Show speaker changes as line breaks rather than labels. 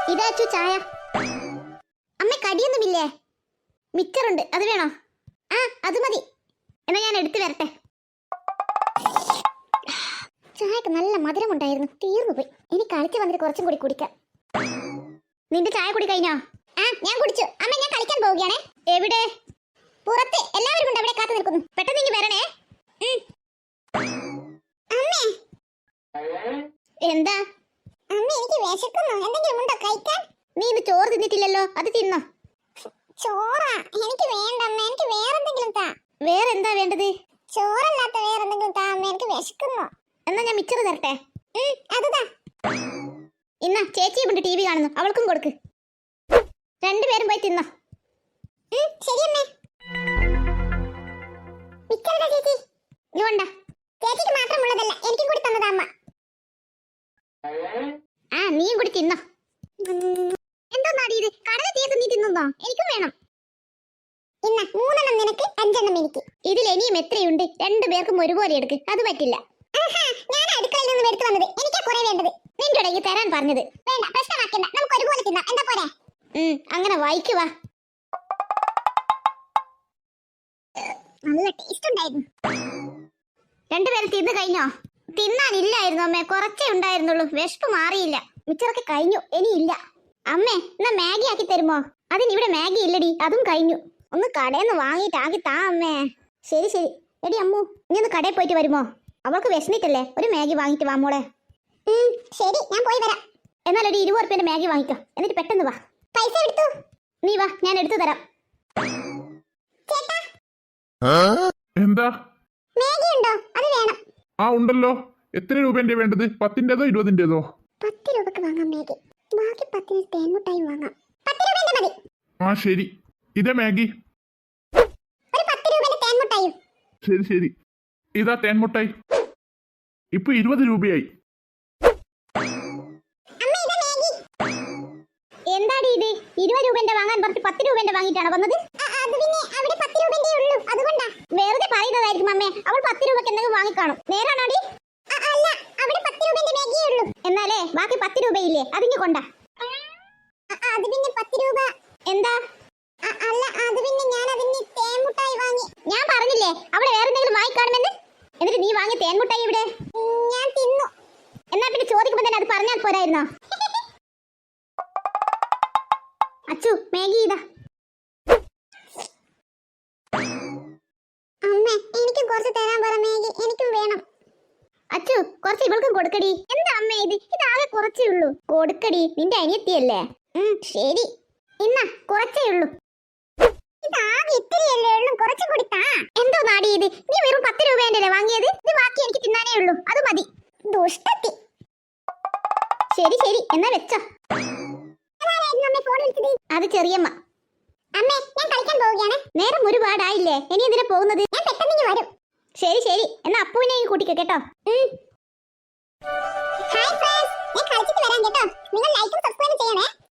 ഇതാച്ചു ചായ. അമ്മ കടിയൊന്നുമില്ലേ? മിച്ചറുണ്ട്, അത് വേണോ? ആ അത് മതി. എന്നാ ഞാൻ എടുത്തു വരട്ടെ. ചായക്ക് നല്ല മധുരമുണ്ടായിരുന്നു, തീർന്നു പോയി. ഇനി കളിച്ച് വന്നിട്ട് കുറച്ചും കൂടി കുടിക്കാം. നിന്റെ ചായ കുടി കഴിഞ്ഞോ? ആ ഞാൻ കുടിച്ചു. അമ്മ ഞാൻ കളിക്കാൻ പോവുകയാണേ. എവിടെ? പുറത്ത് എല്ലാവരും ഉണ്ട്, അവിടെ കാത്തു നിൽക്കുന്നു. പെട്ടെന്ന് ഇങ്ങ് വരണേ. അമ്മേ. എന്താ? അമ്മ എനിക്ക് വിശക്കുന്നു, എന്തെങ്കിലും ഉണ്ടോ കഴിക്കാൻ? നീ ഇന്ന് ചോറ് തിന്നിട്ടില്ലല്ലോ, അത് തിന്നോ. ചോറാ എനിക്ക് വേണ്ട അമ്മ, എനിക്ക് വേറെന്തെങ്കിലും താ. വേറെന്താ വേണ്ടത്? ചോറല്ലാത്ത വേറെന്തെങ്കിലും താ അമ്മ, എനിക്ക് വിശക്കുന്നു. എന്നാ ഞാൻ മിച്ചറ് തരട്ടെ? അതുതാ. ഇന്ന ചേച്ചി ഇവിടെ ടി വി കാണുന്നു, അവൾക്കും കൊടുക്ക്. രണ്ടുപേരും പോയി തിന്നോ. ശരി അമ്മേ. മിച്ചറുടെ ചേച്ചി ഇതുകൊണ്ടാ. ചേച്ചിക്ക് മാത്രമുള്ളതല്ല, എനിക്കും കൂടി തന്നതാ അമ്മ. ആ നീയും കൂടി തിന്നോ. എന്തോന്നാടി ഇത്? കടല തീർത്ത് നീ തിന്നോ? എനിക്കും വേണം. ഇന്ന 3 നിനക്ക് 5 എനിക്ക്. ഇതിൽ ഇനിയും എത്രയുണ്ട്? 2 പേർക്കും ഒരുപോലെ എടുക്ക്. അത് പറ്റില്ല. ഞാൻ അടുക്കളയിൽ നിന്ന് എടുത്തു വന്നത്, എനിക്കാ കുറെ വേണ്ടത്. നിന്റെ ഇടയ്ക്ക് തരാൻ പറഞ്ഞത്. വേണ്ട, പ്രശ്നമാക്കണ്ട, നമുക്ക് ഒരുപോലെ തിന്നാം. എന്താ പോരെ? അങ്ങനെ വായിക്കുവാ. നല്ല ടേസ്റ്റ് ഉണ്ടായിരുന്നു. 2 പേരും തിന്നു കഴിഞ്ഞോ? തിന്നാനില്ലായിരുന്നു അമ്മേ, കുറച്ചേ ഉണ്ടായിരുന്നുള്ളൂ. വിശപ്പ് മാറിയില്ല. മിച്ചറൊക്കെ കഴിഞ്ഞു, ഇനിയില്ല. അമ്മേ എന്നാ മാഗി ആക്കി തരുമോ? അതിനിവിടെ മാഗി ഇല്ലടി, അതും കഴിഞ്ഞു. ഒന്ന് കടയിൽ നിന്ന് വാങ്ങിയിട്ട് ആക്കി താ അമ്മേ. ശരി ശരി. എടി അമ്മു, നീ ഒന്ന് കടയിൽ പോയിട്ട് വരുമോ? അവൾക്ക് വിശന്നിട്ടല്ലേ, ഒരു മാഗി വാങ്ങിട്ട് വാ മോളെ. ശരി, ഞാൻ പോയി വരാം. എന്നാൽ ഒരു 20 രൂപയുടെ മാഗി വാങ്ങിക്കോ, എന്നിട്ട് പെട്ടെന്ന് വാ. പൈസ എടുത്തു. നീ വാ, ഞാൻ എടുത്തു തരാം.
എന്താ?
മാഗി ഉണ്ടോ? അത് വേണം.
ആ ഉണ്ടല്ലോ. എത്ര രൂപന്റെ വേണ്ടത്? 10-ന്റേതോ 20-ന്റേതോ?
10 രൂപക്ക് വാങ്ങാം മാഗി, ബാക്കി 10 തേൻമുട്ടായി വാങ്ങാം. 10 രൂപന്റെ മതി.
ആ ശരി. ഇതാ മാഗി.
ഒരു 10 രൂപന്റെ തേൻമുട്ടായും.
ശരി ശരി. ഇതാ തേൻമുട്ടായി. ഇപ്പൊ 20 രൂപയായി.
എന്താടി ഇത്? 20 രൂപന്റെ വാങ്ങാൻ പറഞ്ഞ് 10 രൂപന്റെ വാങ്ങിയിട്ടാണ് വന്നത്? അത് പിന്നെ അവിടെ 10 രൂപന്റെ ഉള്ളൂ, അതുകൊണ്ടാ. വെറുതെ പറയുന്നതായിരിക്കും അമ്മേ, അവൾ 10 രൂപക്ക് എന്തെങ്കിലും വാങ്ങിക്കാണും. നേരാണോടി? അല്ല, അവിടെ 10 രൂപന്റെ മാഗിയേ ഉള്ളൂ. എന്നാലേ ബാക്കി 10 രൂപയില്ലേ, അതിങ്ങ് കൊണ്ടാ. അത് പിന്നെ 10 രൂപ. എന്താ? അല്ല, അത് പിന്നെ ഞാൻ അതിന് തേൻമുട്ടായി വാങ്ങി. ഞാൻ പറഞ്ഞില്ലേ അവിടെ വേറെ എന്തെങ്കിലും വാങ്ങിക്കാണുമെന്ന്. എന്നിട്ട് നീ വാങ്ങിയ തേൻമുട്ടായി ഇവിടെ? ഞാൻ തിന്നു. എന്നാ പിന്നെ ചോദിക്കുമ്പോ തന്നെ അത് പറഞ്ഞാൽ പോരായിരുന്നോ? അച്ചു, മാഗി ഇതാ. അമ്മേ, എനിക്ക് കുറച്ച് തരാൻ പറ മാഗി, എനിക്കും വേണം. അച്ചു, കുറച്ച് ഇവൾക്കും കൊടുക്കടി. എന്താ അമ്മേ ഇത്? ഇതാകെ കുറച്ചേ ഉള്ളൂ. കൊടുക്കടി, നിന്റെ അനിയത്തിയല്ലേ. ശരി. ഇന്ന കുറച്ചേ ഉള്ളൂ. ഇതാകെ ഇത്തിരിയല്ലേ ഉള്ളൂ, കുറച്ചും കൂടി താ. എന്തോ നാടി ഇത്? നീ വെറും 10 രൂപേന്റെ വാങ്ങിയത്. ഇത് ബാക്കി എനിക്ക് തിന്നാനേ ഉള്ളൂ, അത് മതി. ദുഷ്ടത്തി. ശരി ശരി, എന്നാ വെച്ചോ. അത് ചെറിയമ്മ. അമ്മേ, ഞാൻ കളിക്കാൻ പോവുകയാണ്. നേരം ഒരുപാടായില്ലേ, ഇനി എന്തിനാ പോകുന്നത്? ഞാൻ പെട്ടെന്ന് വരും. ശരി ശരി, എന്നാ അപ്പുവിനെയും കൂട്ടിക്കോ കേട്ടോ. ഹായ് ഫ്രണ്ട്സ്, ഞാൻ കളിച്ചിട്ട് വരാം കേട്ടോ. നിങ്ങൾ ലൈക്കും സബ്സ്ക്രൈബ് ചെയ്യണേ.